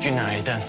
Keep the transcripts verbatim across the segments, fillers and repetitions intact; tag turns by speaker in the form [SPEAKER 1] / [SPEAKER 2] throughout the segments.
[SPEAKER 1] Günaydın.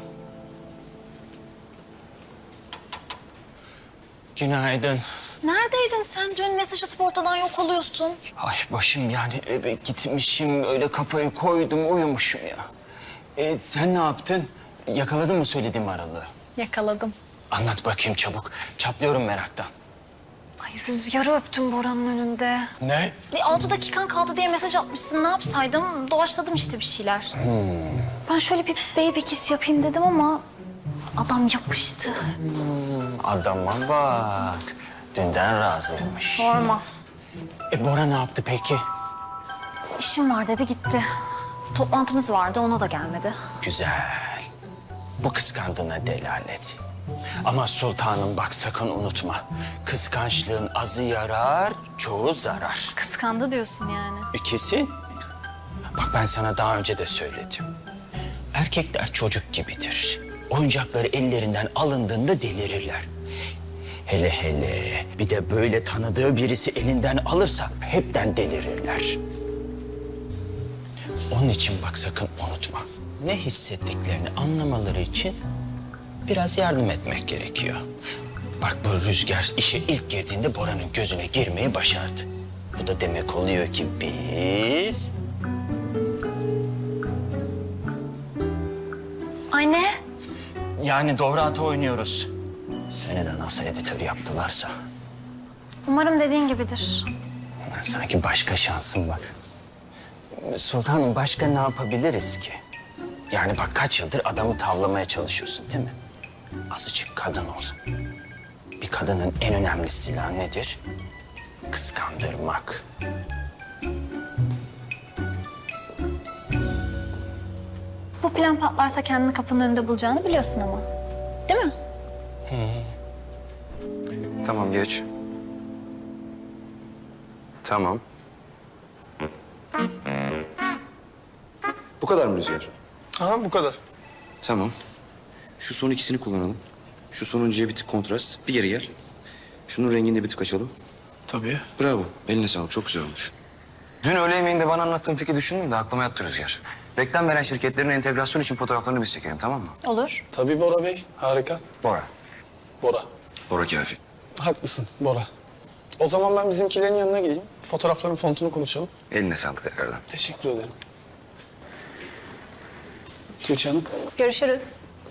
[SPEAKER 1] Günaydın.
[SPEAKER 2] Neredeydin sen? Dün mesaj atıp ortadan yok oluyorsun.
[SPEAKER 1] Ay başım yani eve gitmişim, öyle kafayı koydum, uyumuşum ya. E, sen ne yaptın? Yakaladın mı söylediğim aralığı?
[SPEAKER 2] Yakaladım.
[SPEAKER 1] Anlat bakayım çabuk. Çatlıyorum meraktan.
[SPEAKER 2] Ay Rüzgar'ı öptüm Bora'nın önünde.
[SPEAKER 1] Ne?
[SPEAKER 2] E, altı dakikan kaldı diye mesaj atmışsın. Ne yapsaydım? Doğaçladım işte bir şeyler. Ben şöyle bir baby kiss yapayım dedim ama adam yapıştı.
[SPEAKER 1] Adama bak. Dünden razıymış.
[SPEAKER 2] Sorma.
[SPEAKER 1] E Bora ne yaptı peki?
[SPEAKER 2] İşim var dedi gitti. Toplantımız vardı ona da gelmedi.
[SPEAKER 1] Güzel. Bu kıskandığına delalet. Ama sultanım bak sakın unutma. Kıskançlığın azı yarar, çoğu zarar.
[SPEAKER 2] Kıskandı diyorsun yani.
[SPEAKER 1] E, kesin. Bak ben sana daha önce de söyledim. Erkekler çocuk gibidir. Oyuncakları ellerinden alındığında delirirler. Hele hele bir de böyle tanıdığı birisi elinden alırsa hepten delirirler. Onun için bak sakın unutma. Ne hissettiklerini anlamaları için biraz yardım etmek gerekiyor. Bak bu Rüzgar işe ilk girdiğinde Bora'nın gözüne girmeyi başardı. Bu da demek oluyor ki biz...
[SPEAKER 2] Ay ne?
[SPEAKER 1] Yani doğru ata oynuyoruz. Seni de nasıl editör yaptılarsa.
[SPEAKER 2] Umarım dediğin gibidir.
[SPEAKER 1] Sanki başka şansım var. Sultanım başka ne yapabiliriz ki? Yani bak kaç yıldır adamı tavlamaya çalışıyorsun değil mi? Azıcık kadın ol. Bir kadının en önemli silahı nedir? Kıskandırmak.
[SPEAKER 2] Bu plan patlarsa kendini kapının önünde bulacağını biliyorsun ama. Değil mi?
[SPEAKER 3] Tamam geç. Tamam. Bu kadar mı Rüzgar?
[SPEAKER 4] Aha bu kadar.
[SPEAKER 3] Tamam. Şu son ikisini kullanalım. Şu sonuncuya bir tık kontrast. Bir geri gel. Şunun rengini de bir tık açalım.
[SPEAKER 4] Tabii.
[SPEAKER 3] Bravo. Eline sağlık. Çok güzel olmuş. Dün öğle yemeğinde bana anlattığın fikri düşündüm de aklıma yattı Rüzgar. Reklam veren şirketlerin entegrasyon için fotoğraflarını biz çekelim, tamam mı?
[SPEAKER 2] Olur.
[SPEAKER 4] Tabii Bora Bey. Harika.
[SPEAKER 3] Bora.
[SPEAKER 4] Bora.
[SPEAKER 3] Bora kafi.
[SPEAKER 4] Haklısın Bora. O zaman ben bizimkilerin yanına gideyim. Fotoğrafların fontunu konuşalım.
[SPEAKER 3] Eline sağlık tekrardan.
[SPEAKER 4] Teşekkür ederim. Tuğçe Hanım.
[SPEAKER 2] Görüşürüz.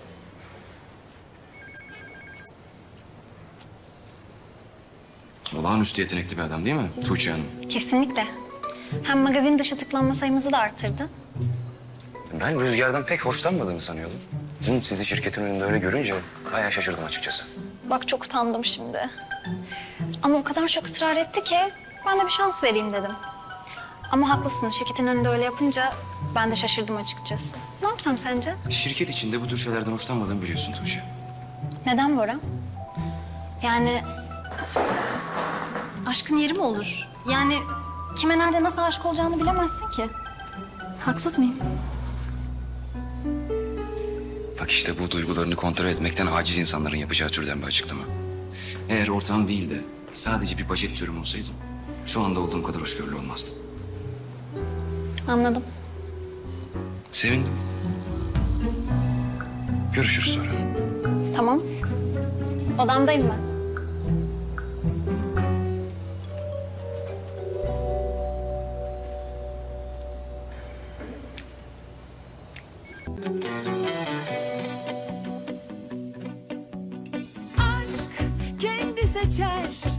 [SPEAKER 3] Olağanüstü yetenekli bir adam değil mi Tuğçe Hanım?
[SPEAKER 2] Kesinlikle. Hem magazin dışı tıklanma sayımızı da arttırdı.
[SPEAKER 3] Ben Rüzgar'dan pek hoşlanmadığını sanıyordum. Dün sizi şirketin önünde öyle görünce bayağı şaşırdım açıkçası.
[SPEAKER 2] Bak çok utandım şimdi. Ama o kadar çok ısrar etti ki ben de bir şans vereyim dedim. Ama haklısın şirketin önünde öyle yapınca ben de şaşırdım açıkçası. Ne yapsam sence?
[SPEAKER 3] Şirket içinde bu tür şeylerden hoşlanmadığımı biliyorsun Tuğçe.
[SPEAKER 2] Neden Bora? Yani aşkın yeri mi olur? Yani kime nerede nasıl aşık olacağını bilemezsin ki. Haksız mıyım?
[SPEAKER 3] Bak işte bu duygularını kontrol etmekten aciz insanların yapacağı türden bir açıklama. Eğer ortağım değil de sadece bir bajet türüm olsaydım... ...şu anda olduğum kadar hoşgörülü olmazdım.
[SPEAKER 2] Anladım.
[SPEAKER 3] Sevindim. Görüşürüz sonra.
[SPEAKER 2] Tamam. Odamdayım ben.
[SPEAKER 5] Aşk kendi seçer